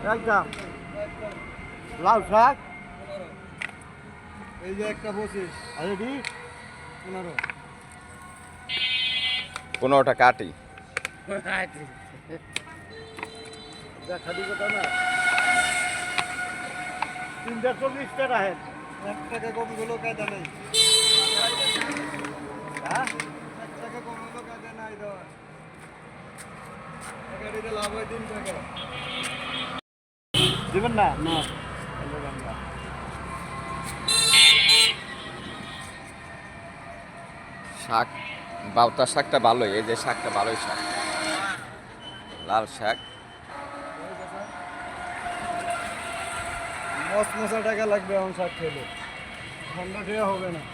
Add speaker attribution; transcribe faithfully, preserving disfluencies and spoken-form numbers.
Speaker 1: একদম লাল শাক
Speaker 2: এই যে একটা পঁচিশ
Speaker 1: আর এটি
Speaker 2: পনেরো
Speaker 3: পনেরোটা কাটি
Speaker 1: যা খালি কথা না তিনটা চল্লিশ টাকা হেন
Speaker 2: এক টাকা কম গুলো কায়দা নেই
Speaker 1: হ্যাঁ
Speaker 2: এক টাকা কম গুলো কায়দা নাই তো গাড়িতে লাভ হয় তিন টাকা
Speaker 1: দিবেন না
Speaker 2: না
Speaker 3: শাক বাউতা শাকটা ভালোই, এই যে শাকটা ভালোই শাক, লাল শাক।
Speaker 2: মশ মশা টাকা লাগবে এখন শাক খেলে ঠান্ডা খেয়ে হবে না।